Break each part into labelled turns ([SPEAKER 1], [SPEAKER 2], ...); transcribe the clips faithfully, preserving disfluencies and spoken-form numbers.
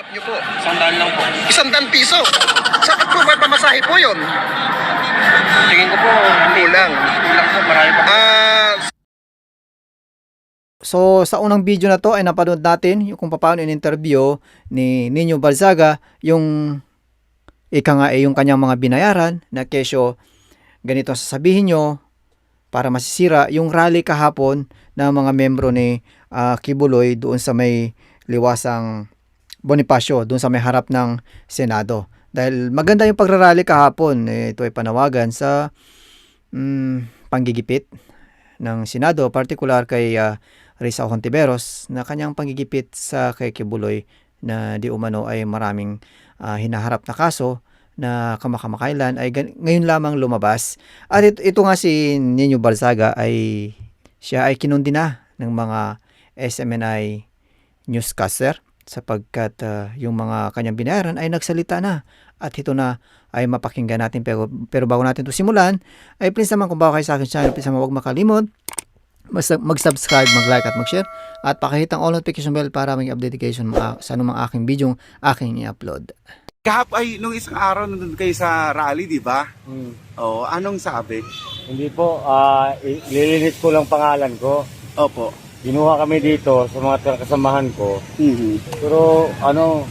[SPEAKER 1] Niyo po.
[SPEAKER 2] Isang daan lang po.
[SPEAKER 1] Isang daan piso. Sapat po ba pamasahe po yun?
[SPEAKER 2] Tingin ko po, hindi.
[SPEAKER 1] Kulang.
[SPEAKER 2] Kulang po, marami pa.
[SPEAKER 1] Ah,
[SPEAKER 3] So sa unang video na to ay napanood natin yung kung paano in-interview ni Nino Balzaga yung ika nga eh, yung kanyang mga binayaran na kesyo ganito ang sasabihin nyo para masisira yung rally kahapon ng mga membro ni uh, Kibuloy doon sa may liwasang Bonifacio, doon sa may harap ng Senado. Dahil maganda yung pagrarally kahapon, eh, ito ay panawagan sa mm, panggigipit ng Senado, particular kay uh, Risa Hontiveros na kanyang panggigipit sa kay Kibuloy na di umano ay maraming uh, hinaharap na kaso na kamakamakailan ay ngayon lamang lumabas. At ito, ito nga si Nino Balzaga ay siya ay kinundi na ng mga S M N I newscaster sapagkat uh, yung mga kanyang binayaran ay nagsalita na at ito na ay mapakinggan natin. Pero, pero bago natin ito simulan ay please naman kung bago kayo sa akin channel, please naman huwag makalimot mag-subscribe, mag-like at mag-share at pakihit ang all notification bell para may updatecation sa anumang aking video aking i-upload.
[SPEAKER 4] Kahap ay nung isang araw nandun kayo sa rally, di ba?
[SPEAKER 5] Hmm.
[SPEAKER 4] Oo, anong sabi?
[SPEAKER 5] Hindi po, ah lilinis ko lang pangalan ko.
[SPEAKER 4] Opo.
[SPEAKER 5] Ginuha kami dito sa mga kasamahan ko.
[SPEAKER 4] Mhm.
[SPEAKER 5] Pero ano,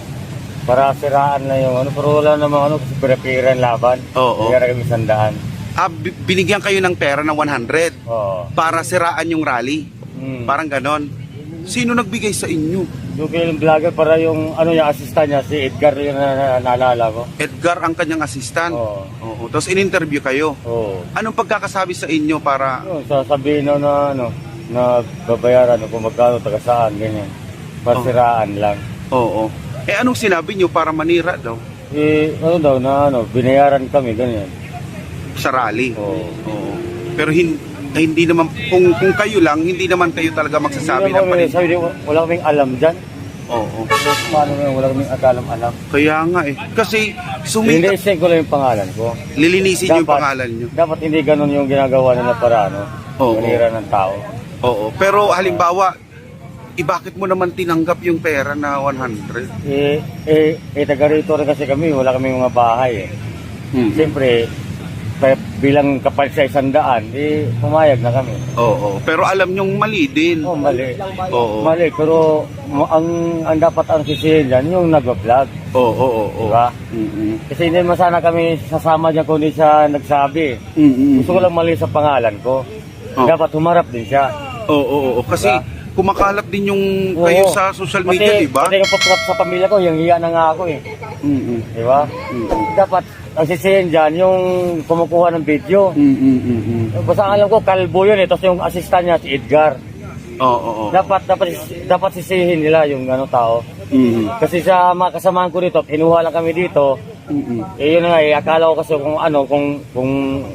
[SPEAKER 5] para siraan na yung ano, pero wala namang ano, kasi pinapiran laban.
[SPEAKER 4] Oo.
[SPEAKER 5] Kaya kami sandaan.
[SPEAKER 4] Ah, bi- binigyan kayo ng pera ng one hundred
[SPEAKER 5] Oo.
[SPEAKER 4] para siraan yung rally.
[SPEAKER 5] Hmm.
[SPEAKER 4] Parang ganon. Sino nagbigay sa inyo?
[SPEAKER 5] Yung kailang vlogger para yung ano yung assistant niya, si Edgar yung na, na, naalala ko.
[SPEAKER 4] Edgar ang kanyang assistant.
[SPEAKER 5] Oo.
[SPEAKER 4] Oo. Tapos in-interview kayo.
[SPEAKER 5] Oo.
[SPEAKER 4] Anong pagkakasabi sa inyo para...
[SPEAKER 5] Yung sasabihin na, na ano, na babayaran o kung magkano, taga saan, ganyan. Para
[SPEAKER 4] Oo.
[SPEAKER 5] siraan lang.
[SPEAKER 4] Oo. Eh anong sinabi nyo para manira daw
[SPEAKER 5] Eh, ano daw, na ano, binayaran kami, ganyan.
[SPEAKER 4] sa rally?
[SPEAKER 5] Oo.
[SPEAKER 4] Oo. Pero hin- eh, hindi naman, kung, kung kayo lang, hindi naman kayo talaga magsasabi
[SPEAKER 5] Hindi
[SPEAKER 4] ng
[SPEAKER 5] naman,
[SPEAKER 4] panin.
[SPEAKER 5] sabi niya, wala kaming alam dyan.
[SPEAKER 4] Oo.
[SPEAKER 5] Paano nga, wala kaming alam-alam.
[SPEAKER 4] Kaya nga eh. Kasi
[SPEAKER 5] Hindi,
[SPEAKER 4] sumikat,
[SPEAKER 5] send ko lang yung pangalan ko.
[SPEAKER 4] lilinisin nyo yung
[SPEAKER 5] Dapat-
[SPEAKER 4] pangalan nyo.
[SPEAKER 5] Dapat hindi ganun yung ginagawa nila para ano,
[SPEAKER 4] Oo.
[SPEAKER 5] manira ng tao.
[SPEAKER 4] Oo. Pero halimbawa, eh, bakit mo naman tinanggap yung pera na one hundred?
[SPEAKER 5] Eh, eh, eh taga rito rin kasi kami, wala kaming mga bahay eh.
[SPEAKER 4] Hmm.
[SPEAKER 5] Siyempre, kaya bilang kapal sa isang daan, eh, pumayag na kami.
[SPEAKER 4] Oo. Pero alam nyong mali din.
[SPEAKER 5] Oh, mali.
[SPEAKER 4] Oo.
[SPEAKER 5] Mali, pero mo- ang, ang dapat ang sisihin dyan, yung nag-vlog.
[SPEAKER 4] Oo, oo, oo.
[SPEAKER 5] Diba?
[SPEAKER 4] Mm-mm.
[SPEAKER 5] Kasi hindi naman sana kami sasama dyan kung hindi siya nagsabi.
[SPEAKER 4] Mm-mm.
[SPEAKER 5] Gusto ko lang mali sa pangalan ko.
[SPEAKER 4] Oh.
[SPEAKER 5] Dapat humarap din siya.
[SPEAKER 4] Oo, oo, oo. Kasi
[SPEAKER 5] Diba?
[SPEAKER 4] kumakalat din yung
[SPEAKER 5] Oo.
[SPEAKER 4] kayo sa social media,
[SPEAKER 5] Pati-
[SPEAKER 4] di ba?
[SPEAKER 5] Pati yung pag sa pamilya ko, yung hiya na nga ako eh.
[SPEAKER 4] Mm-mm.
[SPEAKER 5] Di ba? Dapat, ang sisihin dyan, yung kumukuha ng video.
[SPEAKER 4] Mm-mm. Mm-mm.
[SPEAKER 5] Basta alam ko, kalbo yun eh. Tapos yung assistant niya, si Edgar.
[SPEAKER 4] Oo, oo, oo.
[SPEAKER 5] Dapat, dapat, dapat sisihin nila yung ano tao.
[SPEAKER 4] Mm-mm.
[SPEAKER 5] Kasi sa mga kasamahan ko dito, kinuha lang kami dito.
[SPEAKER 4] Mm-mm.
[SPEAKER 5] Eh yun na nga eh, akala ko kasi kung ano, kung, kung,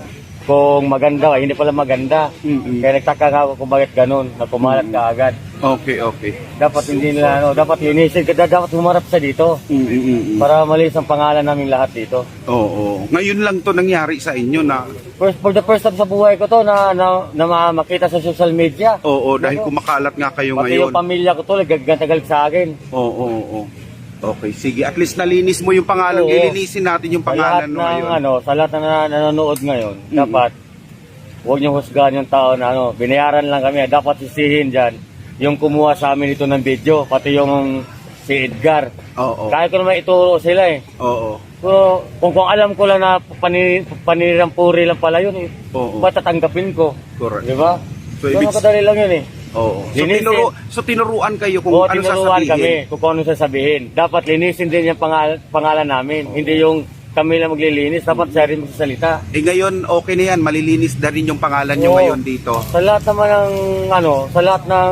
[SPEAKER 5] kung maganda, eh, hindi pala maganda.
[SPEAKER 4] Mm-mm.
[SPEAKER 5] Kaya nagtaka nga ako kung bakit ganun, na kumalat ka agad.
[SPEAKER 4] Okay, okay.
[SPEAKER 5] Dapat hindi nila, ano, dapat linisin, dapat humarap sa dito.
[SPEAKER 4] Mm-mm.
[SPEAKER 5] Para malis ang pangalan namin lahat dito.
[SPEAKER 4] Oo. Ngayon lang to nangyari sa inyo na
[SPEAKER 5] First, for the first time sa buhay ko to na, na, na ma- makita sa social media.
[SPEAKER 4] oo, dahil kumakalat nga kayo
[SPEAKER 5] Pati
[SPEAKER 4] ngayon.
[SPEAKER 5] yung pamilya ko to, nagagantagalit sa akin.
[SPEAKER 4] Oo, oo, oo. Okay, sige. At least nalinis mo yung pangalan.
[SPEAKER 5] Oo.
[SPEAKER 4] Lilinisin natin yung
[SPEAKER 5] Sa lahat
[SPEAKER 4] pangalan mo
[SPEAKER 5] ng,
[SPEAKER 4] ngayon.
[SPEAKER 5] ano, sa lahat na nan- nanonood ngayon,
[SPEAKER 4] Mm.
[SPEAKER 5] dapat huwag niyong husgahan yung tao na ano, binayaran lang kami. Dapat sisihin dyan yung kumuha sa amin ito ng video, pati yung si Edgar.
[SPEAKER 4] Oo.
[SPEAKER 5] Kaya ko naman ituro sila eh.
[SPEAKER 4] Oo.
[SPEAKER 5] So, kung, kung alam ko lang na panir, panirang puri lang pala yun eh,
[SPEAKER 4] Oo.
[SPEAKER 5] ba't tatanggapin ko?
[SPEAKER 4] Correct.
[SPEAKER 5] Di ba?
[SPEAKER 4] So,
[SPEAKER 5] So,
[SPEAKER 4] ibig-
[SPEAKER 5] kadali lang yun eh.
[SPEAKER 4] Oo. So,
[SPEAKER 5] Linisin.
[SPEAKER 4] tinuro, so tinuruan kayo kung
[SPEAKER 5] Oo,
[SPEAKER 4] ano
[SPEAKER 5] tinuruan
[SPEAKER 4] sasabihin.
[SPEAKER 5] kami kung ano sasabihin. Dapat linisin din yung pangal pangalan namin. Hindi yung kami lang maglilinis. Dapat siya rin magsasalita.
[SPEAKER 4] Eh ngayon, okay na yan. Malilinis na rin yung pangalan nyo
[SPEAKER 5] Oo.
[SPEAKER 4] ngayon dito.
[SPEAKER 5] Sa lahat naman ng, ano, sa lahat ng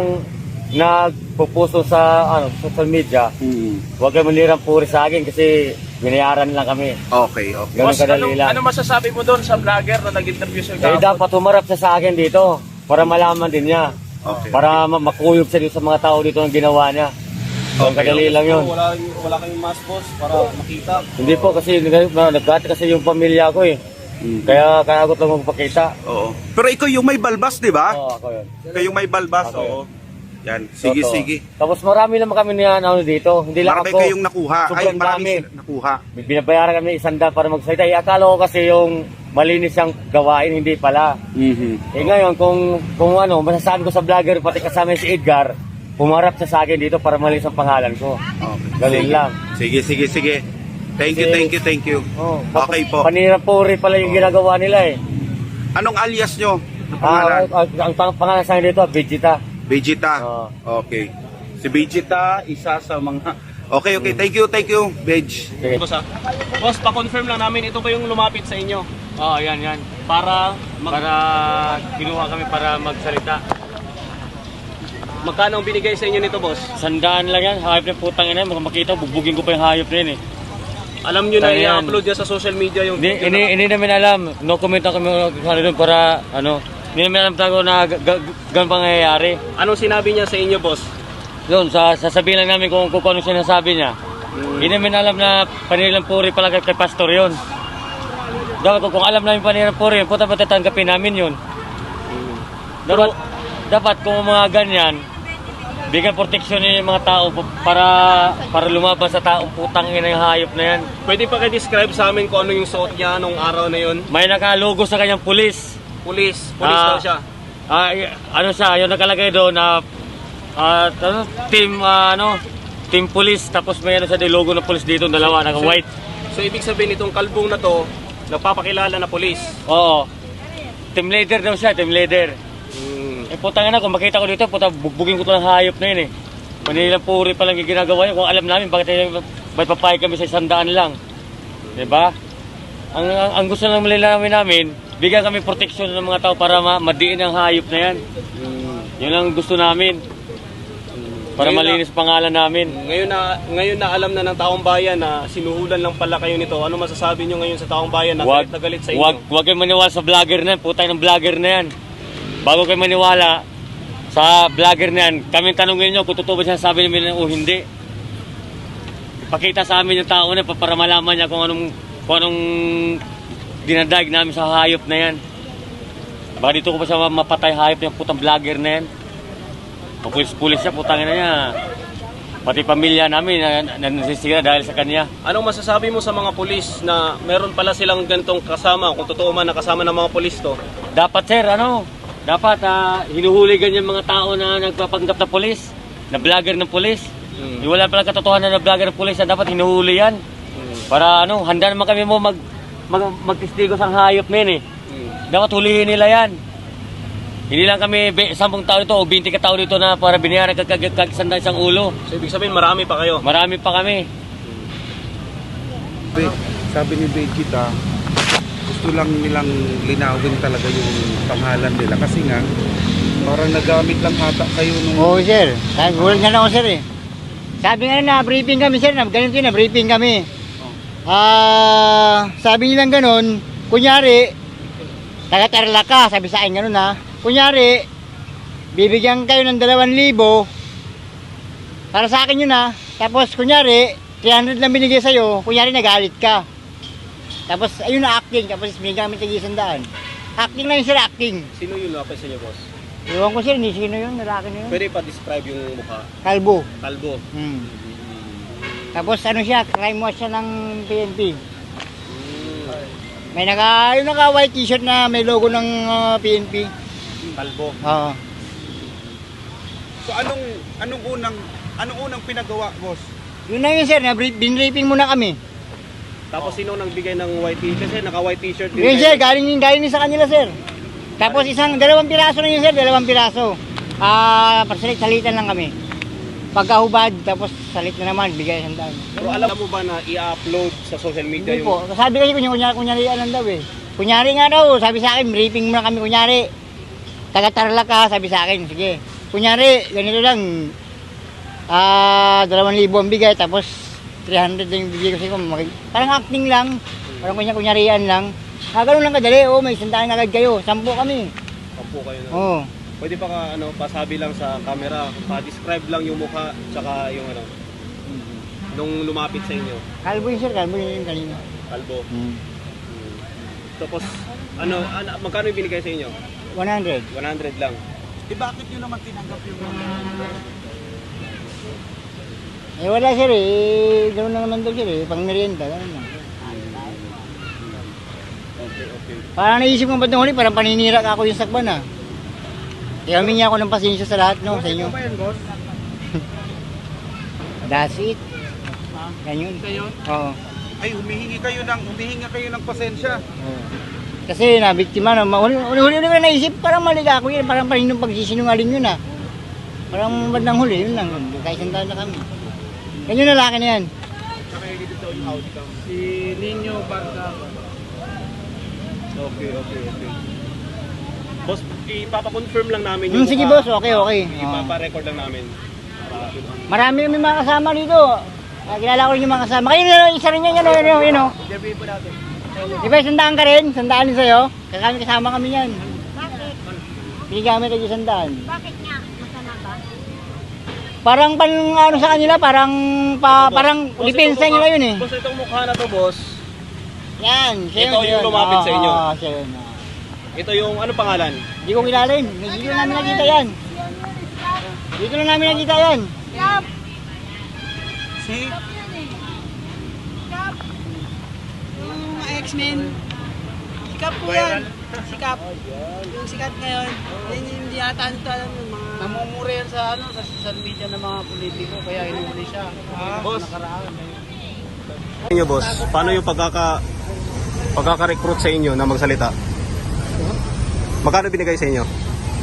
[SPEAKER 5] nagpupuso sa ano, social media,
[SPEAKER 4] Mm.
[SPEAKER 5] huwag kayo manirang puri sa akin kasi binayaran lang kami.
[SPEAKER 4] Okay, okay.
[SPEAKER 5] Ganun
[SPEAKER 2] Boss,
[SPEAKER 5] kadali
[SPEAKER 2] ano,
[SPEAKER 5] lang.
[SPEAKER 2] ano masasabi mo doon sa vlogger na nag-interview sa
[SPEAKER 5] Eh,
[SPEAKER 2] kahapon?
[SPEAKER 5] dapat humarap siya sa akin dito para malaman din niya.
[SPEAKER 4] Okay.
[SPEAKER 5] Para ma- makuyog siya dito sa mga tao dito ang ginawa niya. Ang
[SPEAKER 4] Okay,
[SPEAKER 5] kadali lang yun.
[SPEAKER 2] Wala, wala kayong mask, boss, para makita.
[SPEAKER 5] Hindi po kasi nag- nagkati kasi yung pamilya ko eh.
[SPEAKER 4] Mm.
[SPEAKER 5] Kaya kaya ako lang magpakita.
[SPEAKER 4] Oo. Pero ikaw yung may balbas, di ba?
[SPEAKER 5] Oo, ako yun.
[SPEAKER 4] Kayo yung may balbas,
[SPEAKER 5] Ako yun.
[SPEAKER 4] oo. Yan, sige,
[SPEAKER 5] Totoo.
[SPEAKER 4] sige.
[SPEAKER 5] Tapos marami naman kami na ano dito. Hindi lang
[SPEAKER 4] Marami
[SPEAKER 5] ako.
[SPEAKER 4] kayong nakuha. Ay,
[SPEAKER 5] Sobrang
[SPEAKER 4] marami
[SPEAKER 5] dami.
[SPEAKER 4] sila nakuha.
[SPEAKER 5] Binabayaran kami isang daan para magsalita. Eh, akala ko kasi yung malinis siyang gawain, hindi pala.
[SPEAKER 4] Mhm.
[SPEAKER 5] Eh ngayon, kung, kung ano, masasabi ko sa vlogger, pati kasama si Edgar, pumarap siya sa akin dito para malinis ang pangalan ko.
[SPEAKER 4] Okay.
[SPEAKER 5] Ganun lang.
[SPEAKER 4] Sige, sige, sige. Thank you,
[SPEAKER 5] Kasi-
[SPEAKER 4] thank you, thank you.
[SPEAKER 5] Oh,
[SPEAKER 4] Okay po.
[SPEAKER 5] Panirapuri pala yung ginagawa nila eh.
[SPEAKER 4] Anong alias nyo? Ang
[SPEAKER 5] Ah,
[SPEAKER 4] pangalan?
[SPEAKER 5] ang, ang, ang pangalan sa akin dito, Vegeta.
[SPEAKER 4] Vegeta.
[SPEAKER 5] Oo.
[SPEAKER 4] Okay. Si Vegeta, isa sa mga... Okay, okay. Thank you, thank you, Veg.
[SPEAKER 5] Sige.
[SPEAKER 2] Boss, ha? Boss, pa-confirm lang namin, ito ba yung lumapit sa inyo?
[SPEAKER 5] Oo, yan, yan.
[SPEAKER 2] Para mag-
[SPEAKER 5] Para kinuha kami para magsalita.
[SPEAKER 2] magkano ang binigay sa inyo nito, boss?
[SPEAKER 5] Sandaan lang yan, hayop ng putang ina, makikita, bugbugin ko pa yung hayop na yun eh.
[SPEAKER 2] Alam nyo na
[SPEAKER 5] Kaya yan.
[SPEAKER 2] i-upload niya sa social media yung
[SPEAKER 5] Hindi,
[SPEAKER 2] video
[SPEAKER 5] hindi,
[SPEAKER 2] na-
[SPEAKER 5] hindi namin alam, no comment lang kami ano doon para, ano, hindi namin alam tago na ga- ga- ganun pangyayari.
[SPEAKER 2] Anong sinabi niya sa inyo, boss?
[SPEAKER 5] Doon, sa, sasabihin lang namin kung, kung ano sinasabi niya. Hindi namin alam na panilang puri pala kay, kay pastor yun. Dapat kung, kung alam namin panilang puri yun, puta patatanggapin namin yun. Dapat, dapat kung mga ganyan, bigyan proteksyon yung mga tao para para lumabas sa taong putang ina yung hayop na yan.
[SPEAKER 2] Pwede pa kayo-describe sa amin kung ano yung suot niya nung araw na yun?
[SPEAKER 5] May nakalogo sa kanyang pulis.
[SPEAKER 2] Police. Police
[SPEAKER 5] Ah,
[SPEAKER 2] daw siya.
[SPEAKER 5] Ah, y- ano siya, yung nakalagay doon na ah, ano, team ah, ano, team police tapos may ano sa logo ng police dito, dalawa naka white.
[SPEAKER 2] So, ibig sabihin itong kalbong na to, nagpapakilala na police.
[SPEAKER 5] Oo. Team leader daw siya, team leader.
[SPEAKER 2] Hmm.
[SPEAKER 5] Eh putang ina, kung makita ko dito, puta bugbugin ko to ng hayop na yun eh. Manilang puri pa lang yung ginagawa niya. Kung alam namin bakit bakit papayag kami sa isang daan lang. 'Di ba? Ang, ang, ang gusto lang malalaman namin, bigyan kami proteksyon ng mga tao para ma madiin ang hayop na yan. Yun ang gusto namin. Para
[SPEAKER 2] Ngayon na-
[SPEAKER 5] malinis pangalan namin.
[SPEAKER 2] Ngayon na ngayon na alam na ng taong bayan na sinuhulan lang pala kayo nito. Ano masasabi niyo ngayon sa taong bayan na
[SPEAKER 5] Wag,
[SPEAKER 2] galit na galit sa inyo?
[SPEAKER 5] wag, wag kayo maniwala sa vlogger na yan. Putay ng vlogger na yan. Bago kayo maniwala sa vlogger na yan, kami tanongin nyo kung totoo ba siya sabi namin o hindi. Ipakita sa amin yung tao na pa- para malaman niya kung anong, kung anong dinadaig namin sa hayop na yan. Baka dito ko pa siya mapatay hayop yung putang vlogger na yan. Pulis-pulis siya, putangin na niya. Pati pamilya namin na, na, nasisira dahil sa kanya.
[SPEAKER 2] Anong masasabi mo sa mga pulis na meron pala silang ganitong kasama, kung totoo man nakasama ng mga pulis to?
[SPEAKER 5] Dapat sir, ano, dapat ah, hinuhuli ganyan mga tao na nagpapanggap na polis, na vlogger ng polis.
[SPEAKER 2] Mm.
[SPEAKER 5] Yung wala palang katotohanan na vlogger ng polis, na dapat hinuhuli yan. Para ano, handa naman kami mo mag, mag magtistigo sa hayop men eh.
[SPEAKER 2] Mm.
[SPEAKER 5] Dapat hulihin nila yan. Hindi lang kami be- sampung tao dito o binti ka tao dito na para binayaran kagkagkagsandan isang ulo.
[SPEAKER 2] So ibig sabihin marami pa kayo.
[SPEAKER 5] Marami pa kami.
[SPEAKER 4] Be, sabi ni Vegeta, gusto lang nilang linawin talaga yung pangalan nila. Kasi nga, parang nagamit lang hata kayo nung...
[SPEAKER 6] Oo, sir. Gulat nga lang ako, sir, eh. Sabi nga na, briefing kami, sir. Na, ganun din, na briefing kami. Ah, sabi nilang ganun, kunyari, taga-tarla ka, sabi sa akin ganun, ha. Kunyari, bibigyan kayo ng dalawang libo, para sa akin yun, ha. Tapos, kunyari, three hundred lang binigay sa'yo, kunyari, nagalit ka. Tapos, ayun na acting, tapos binigyan kami tag-isandaan. Acting lang yun, sir, acting.
[SPEAKER 2] Sino yung lapis sa inyo, boss?
[SPEAKER 6] Iwan ko, sir, hindi sino yun, lalaki na yun.
[SPEAKER 2] Pwede pa describe yung mukha.
[SPEAKER 6] Kalbo.
[SPEAKER 2] Kalbo.
[SPEAKER 6] Hmm. Tapos ano siya, crime watch siya ng P N P. May naka, yung naka white t-shirt na may logo ng uh, P N P.
[SPEAKER 2] Kalbo.
[SPEAKER 6] Oo.
[SPEAKER 4] So anong, anong unang, anong unang pinagawa, boss?
[SPEAKER 6] Yun na yun, sir, na binraping muna kami.
[SPEAKER 2] Tapos sino nagbigay ng white t-shirt? Kasi naka-white t-shirt din.
[SPEAKER 6] Yun,
[SPEAKER 2] kayo.
[SPEAKER 6] sir, galing yun, galing yun sa kanila, sir. Tapos isang, dalawang piraso na yun, sir, dalawang piraso. Ah, pasalit, salitan lang kami. Pagkahubad, tapos salit na naman, bigay isang daan.
[SPEAKER 2] Pero alam mo ba na i-upload sa social media
[SPEAKER 6] Hindi
[SPEAKER 2] yung...
[SPEAKER 6] po. Sabi kasi kunyari, kunyari, kunyari alam daw eh. Kunyari nga daw, sabi sa akin, briefing muna kami kunyari. Taga-tarla ka, sabi sa akin, sige. Kunyari, ganito lang, ah, dalawang libo ang bigay, tapos three hundred lang yung bigay ko sa'yo. Mag- Parang acting lang, parang kunyari, kunyarian lang. Ah, ganun lang kadali, oh, may isang daan agad kayo, sampu kami.
[SPEAKER 2] Kampo kayo na.
[SPEAKER 6] Oh.
[SPEAKER 2] Pwede pa ka, ano, pasabi lang sa camera, pa-describe lang yung mukha, tsaka yung ano, nung lumapit sa inyo.
[SPEAKER 6] Kalbo yun, sir, kalbo yun yung kanina.
[SPEAKER 2] Kalbo.
[SPEAKER 6] Hmm.
[SPEAKER 2] Tapos, ano, ano magkano yung binigay sa inyo?
[SPEAKER 6] one hundred.
[SPEAKER 2] one hundred lang.
[SPEAKER 4] Eh bakit nyo naman tinanggap yung
[SPEAKER 6] Eh wala sir eh, gano'n na naman daw sir eh, pang merienda, gano'n lang.
[SPEAKER 2] Okay, okay.
[SPEAKER 6] Parang naisip ko ba't nung huli, parang paninira ka ako yung sakban ah. Kaya humingi ako ng pasensya sa lahat no, sa inyo.
[SPEAKER 4] ba yan, boss?
[SPEAKER 6] That's it. Yan yun. Oo.
[SPEAKER 4] Ay, humihingi kayo ng, humihingi kayo ng pasensya.
[SPEAKER 6] Oo. Kasi nabiktima na, huli-huli ko na naisip, parang mali ako yun, parang paninong pagsisinungaling yun ah. Parang bandang huli, yun lang, kahit sandaan na kami. Ganyan na laki na yan.
[SPEAKER 4] Si Nino Barzaga.
[SPEAKER 2] Okay, okay, okay. Boss, ipapakonfirm lang namin
[SPEAKER 6] Hmm, sige
[SPEAKER 2] mukha.
[SPEAKER 6] boss, okay, okay. Oo.
[SPEAKER 2] Ipapa-record lang namin. Para,
[SPEAKER 6] Marami kami mga kasama dito. Ah, kilala ko rin yung mga kasama. Kayo na isa rin yan, yun, yun, yun, yun, oh.
[SPEAKER 2] interview po natin.
[SPEAKER 6] Di ba, sandaan ka rin? Sandaan din sa'yo? Kami kasama kami yan.
[SPEAKER 7] Bakit?
[SPEAKER 6] Binigamit tayo sandaan.
[SPEAKER 7] Bakit nga? Masama ba?
[SPEAKER 6] Parang pan, ano sa kanila, parang, pa, parang
[SPEAKER 2] Boss,
[SPEAKER 6] lipensa
[SPEAKER 2] itong
[SPEAKER 6] nila
[SPEAKER 2] mukha-
[SPEAKER 6] yun eh.
[SPEAKER 2] Boss, itong mukha na to, boss.
[SPEAKER 6] Yan, siya
[SPEAKER 2] Ito
[SPEAKER 6] yun,
[SPEAKER 2] yung
[SPEAKER 6] siya yun.
[SPEAKER 2] lumapit sa inyo.
[SPEAKER 6] Oo, oo, siya yun. oo.
[SPEAKER 2] Ito yung, ano pangalan?
[SPEAKER 6] Hindi ko kilala yun. Dito lang namin nakita yan. Dito lang namin nakita yan.
[SPEAKER 4] Si?
[SPEAKER 8] Yung mga X-Men, sikap po yan. Sikap. Yung sikat ngayon, yan yung hindi ata nito alam yung mga...
[SPEAKER 9] Namumura yan sa ano sa social media ng mga politiko kaya inuuli siya.
[SPEAKER 2] Boss.
[SPEAKER 9] Nakaraan.
[SPEAKER 2] Inyo, boss, paano yung pagkaka pagkaka-recruit sa inyo na magsalita? Magkano binigay sa inyo?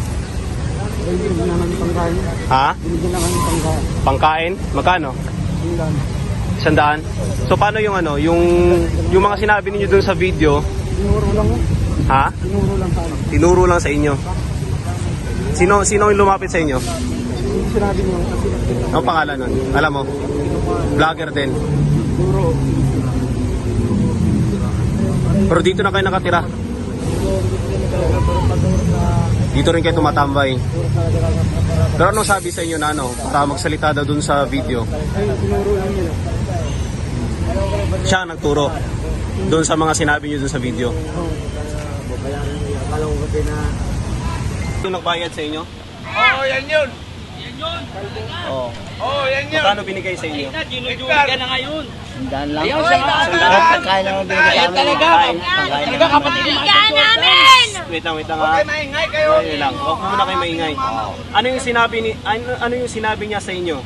[SPEAKER 2] Ha? Pangkain? Magkano? Sandaan. So paano yung ano, yung yung mga sinabi niyo dun sa video? Tinuro lang. Ha? Tinuro lang sa Tinuro lang sa inyo. Sino sino yung lumapit sa inyo? Sinabi niyo. Ano pangalan nun? Alam mo? Vlogger din. Pero dito na kayo nakatira. Dito rin kayo tumatambay. Pero anong sabi sa inyo na ano, para magsalita daw dun sa video? Siya ang nagturo dun sa mga sinabi niyo dun sa video. Yung nagbayad sa inyo?
[SPEAKER 4] Oo, yan yun.
[SPEAKER 2] Oo.
[SPEAKER 4] Oo, yan yun.
[SPEAKER 2] Magkano binigay sa inyo?
[SPEAKER 6] Sandaan lang.
[SPEAKER 2] Sandaan.
[SPEAKER 6] Pagkain lang ang binigay sa amin.
[SPEAKER 8] Talaga, talaga kapatid mo.
[SPEAKER 7] namin!
[SPEAKER 2] Wait lang, wait lang ha.
[SPEAKER 4] Maingay kayo.
[SPEAKER 2] Wait lang. Huwag muna kayo maingay. Ano yung sinabi ni ano, ano yung sinabi niya sa inyo?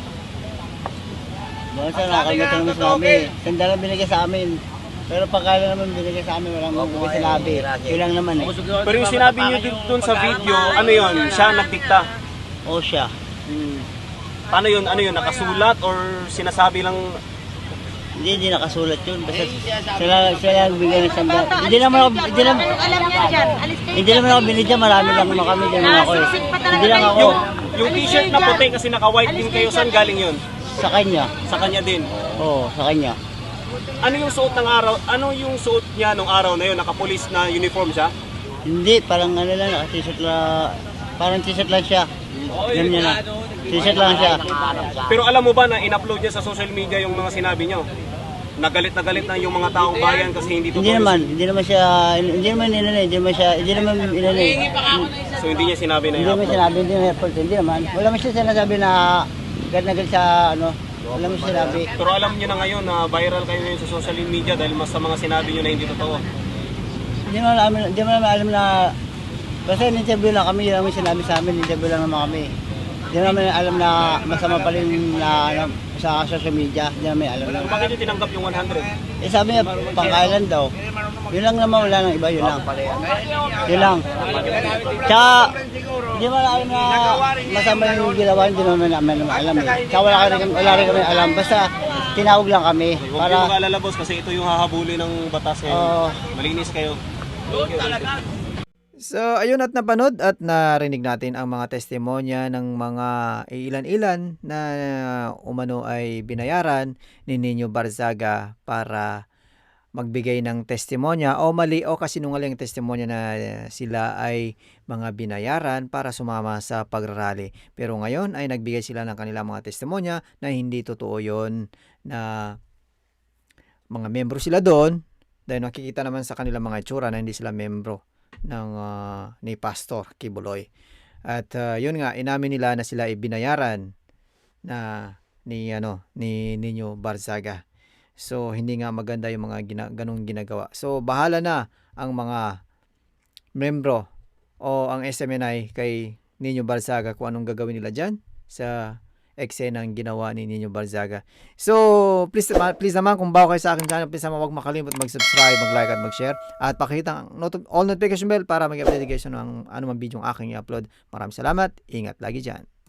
[SPEAKER 6] Doon sa nakakalimutan naman sinabi. Sandaan lang binigay sa amin. Pero pagkain naman binigay sa amin, walang mga sinabi. Yun lang naman eh.
[SPEAKER 2] Pero yung sinabi niyo dun, dun sa video, ano yon? Siya nagdikta.
[SPEAKER 6] O siya.
[SPEAKER 2] Paano yun? Ano yun? Nakasulat or sinasabi lang?
[SPEAKER 6] Hindi, hindi nakasulat yun. Basta sila, sila nagbigay ng sandaan. Hindi naman ako, hindi naman,
[SPEAKER 7] Alam niya dyan. Alis kayo.
[SPEAKER 6] hindi naman ako binigyan. Marami lang naman kami. Hindi naman ako eh. Hindi lang ako.
[SPEAKER 2] Yung, yung t-shirt na puti kasi naka-white din kayo, saan galing yun?
[SPEAKER 6] Sa kanya.
[SPEAKER 2] Sa kanya din.
[SPEAKER 6] Oo, sa kanya.
[SPEAKER 2] Ano yung suot ng araw? Ano yung suot niya nung araw na yun? Naka-police na uniform siya?
[SPEAKER 6] Hindi, parang ano lang, naka-t-shirt lang. Parang t-shirt lang siya. Ganyan niya na. T-shirt lang siya.
[SPEAKER 2] Pero alam mo ba na in-upload niya sa social media yung mga sinabi niyo? Nagalit na galit na yung mga taong bayan kasi hindi totoo.
[SPEAKER 6] Hindi naman, hindi naman siya, hindi naman inanay, hindi naman siya, hindi naman inanay.
[SPEAKER 2] So hindi niya sinabi na
[SPEAKER 6] Hindi naman
[SPEAKER 2] i-upload.
[SPEAKER 6] sinabi, hindi naman effort, hindi naman. Wala naman siya sinasabi na gad na gad sa ano, wala naman siya sinabi.
[SPEAKER 2] Pero alam niyo na ngayon na viral kayo ngayon sa social media dahil mas sa mga sinabi niyo na hindi totoo.
[SPEAKER 6] Hindi naman alam, hindi naman alam na, basta in-interview lang kami, yun naman sinabi sa amin, in-interview lang naman kami. Hindi naman alam na masama pa rin na ano, sa social media, hindi naman alam na.
[SPEAKER 2] Bakit niyo tinanggap yung one hundred?
[SPEAKER 6] Eh sabi niya, pangkailan daw. Yun lang naman, wala nang iba, yun lang. Yun lang. Tsaka, hindi mo alam na masama yung ginawa, hindi naman namin naman alam eh. Tsaka wala, rin, wala rin kami alam, basta tinawag lang kami.
[SPEAKER 2] Huwag
[SPEAKER 6] Para,
[SPEAKER 2] kayong mag-alala boss kasi ito yung hahabulin ng batas ngayon.
[SPEAKER 6] Oo.
[SPEAKER 2] Malinis kayo.
[SPEAKER 3] So, ayun at napanood at narinig natin ang mga testimonya ng mga ilan-ilan na umano ay binayaran ni Nino Barzaga para magbigay ng testimonya o mali o kasinungaling testimonya na sila ay mga binayaran para sumama sa pagrarally. Pero ngayon ay nagbigay sila ng kanilang mga testimonya na hindi totoo yon, na mga membro sila doon dahil nakikita naman sa kanilang mga itsura na hindi sila membro ng uh, ni Pastor Kibuloy. At ah, yun nga, inamin nila na sila ay binayaran na ni ano ni Nino Barzaga. So hindi nga maganda yung mga gina, ganong ginagawa. So bahala na ang mga membro o ang S M N I kay Nino Barzaga kung anong gagawin nila dyan sa eksenang ginawa ni Nino Barzaga. So, please, ma- please naman, kung bago kayo sa aking channel, please naman huwag makalimut mag-subscribe, mag-like at mag-share. At pakita ang not- all notification bell para mag-update kayo ng anumang video ang aking i-upload. Maraming salamat. Ingat lagi dyan.